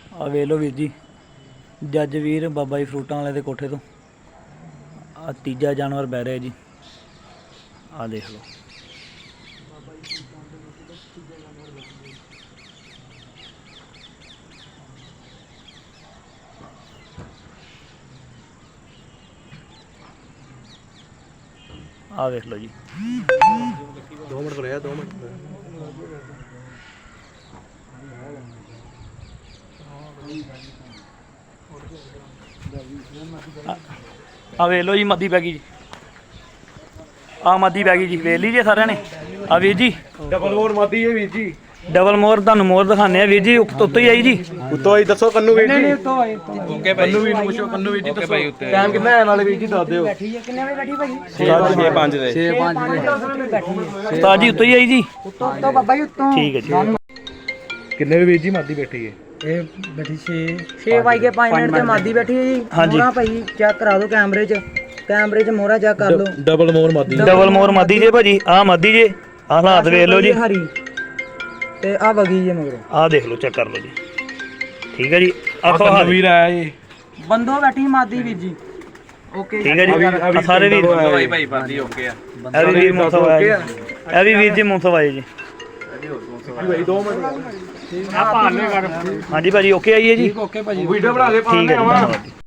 ਆ ਵੇਖ ਲਓ ਵੀਰ ਜੀ, ਜੱਜ ਵੀਰ ਬਾਬਾ ਜੀ ਫਰੂਟਾਂ ਵਾਲੇ ਦੇ ਕੋਠੇ ਤੋਂ ਆ ਤੀਜਾ ਜਾਨਵਰ ਬਹਿ ਰਿਹਾ ਜੀ। ਆ ਦੇਖ ਲਓ ਆ ਵੇਖ ਲਓ ਜੀ। 2 ਮਿੰਟ ਰਿਹਾ 2 ਮਿੰਟ ਆ ਵੇਖ ਲਓ ਜੀ, ਮੱਦੀ ਪੈ ਗਈ ਜੀ। ਆ ਮੱਦੀ ਪੈ ਗਈ ਜੀ, ਵੇਖ ਲਈ ਜੀ ਸਾਰਿਆਂ ਨੇ। ਆ ਵੀਰ ਜੀ ਡਬਲ ਮੋਰ ਮਾਦੀ ਹੈ ਵੀਰ ਜੀ। ਡਬਲ ਮੋਰ ਤੁਹਾਨੂੰ ਮੋਰ ਦਿਖਾਣੇ ਆ ਵੀਰ ਜੀ। ਉੱਤੋਂ ਹੀ ਆਈ ਜੀ, ਉੱਤੋਂ ਆਈ ਦੱਸੋ ਕੰਨੂ ਵੀਰ ਜੀ। ਓਕੇ ਭਾਈ, ਕੰਨੂ ਵੀਰ ਨੂੰ ਪੁੱਛੋ, ਕੰਨੂ ਵੀਰ ਜੀ ਓਕੇ ਦੱਸੋ ਭਾਈ ਉੱਤੇ ਟਾਈਮ ਕਿੰਨਾ ਹੈ ਨਾਲੇ ਵੀਰ ਜੀ ਦੱਸ ਦਿਓ। ਕਿੰਨੇ ਵਜੇ ਬੈਠੀ ਭਾਈ? 6:05 ਦੇ 6:05 ਉਸਤਾਦ ਜੀ ਉੱਤੋਂ ਹੀ ਆਈ ਜੀ। ਉੱਤੋਂ ਬਾਬਾ ਜੀ ਉੱਤੋਂ। ਠੀਕ ਹੈ ਜੀ। ਕਿੰਨੇ ਵੇ ਵੀਰ ਜੀ ਮਾਦੀ ਬੈਠੀ ਹੈ? ਇਹ ਬੈਠੀ 6:05 ਮਿੰਟ ਤੇ ਮਾਦੀ ਬੈਠੀ ਹੈ ਜੀ। ਹਾਂਜੀ। ਮੋਹਰਾ ਭਾਈ ਚੈੱਕ ਕਰਾ ਦਿਓ ਕੈਮਰੇ 'ਚ, ਕੈਮਰੇ 'ਚ ਮੋਹਰਾ ਚੈੱਕ ਕਰ ਲਓ। ਡਬਲ ਮੋਰ ਮਾਦੀ। ਡਬਲ ਮੋਰ ਮੱਦੀ ਜੇ ਭਾਜੀ। ਆ ਮੱਦੀ ਜੇ, ਆ ਹਾਲਾਤ ਵੇਖ ਲਓ ਜੀ। ਹਰੀ ਤੇ ਆ ਵਗੀ ਜੇ ਮਗਰੋਂ। ਆ ਦੇਖ ਲਓ, ਚੈੱਕ ਕਰ ਲਓ ਜੀ। ਠੀਕ ਹੈ ਜੀ। ਆਖੋ ਕੰਨੂ ਹਾਂ ਵੀਰ ਆਇਆ ਜੀ। ਬੰਦੋ ਬੈਠੀ ਮਾਦੀ ਵੀਰ ਜੀ। ਓਕੇ ਠੀਕ ਹੈ ਜੀ। ਆ ਸਾਰੇ ਵੀਰ ਭਾਈ ਭਾਈ ਬਾਦੀ ਓਕੇ ਆ। ਇਹ ਵੀ ਵੀਰ ਮੋਸੋ ਆਇਆ ਜੀ। ਇਹ ਵੀ ਵੀਰ ਜੀ ਮੋਸੋ ਆਏ ਜੀ। ਭਾਈ 2 ਮਿੰਟ ਹਾਂਜੀ ਭਾਜੀ ਓਕੇ ਆਈਏ ਜੀ। ਓਕੇ ਭਾਜੀ। ਵੀਡੀਓ ਬਣਾ ਕੇ ਠੀਕ ਹੈ ਜੀ, ਧੰਨਵਾਦ ਜੀ।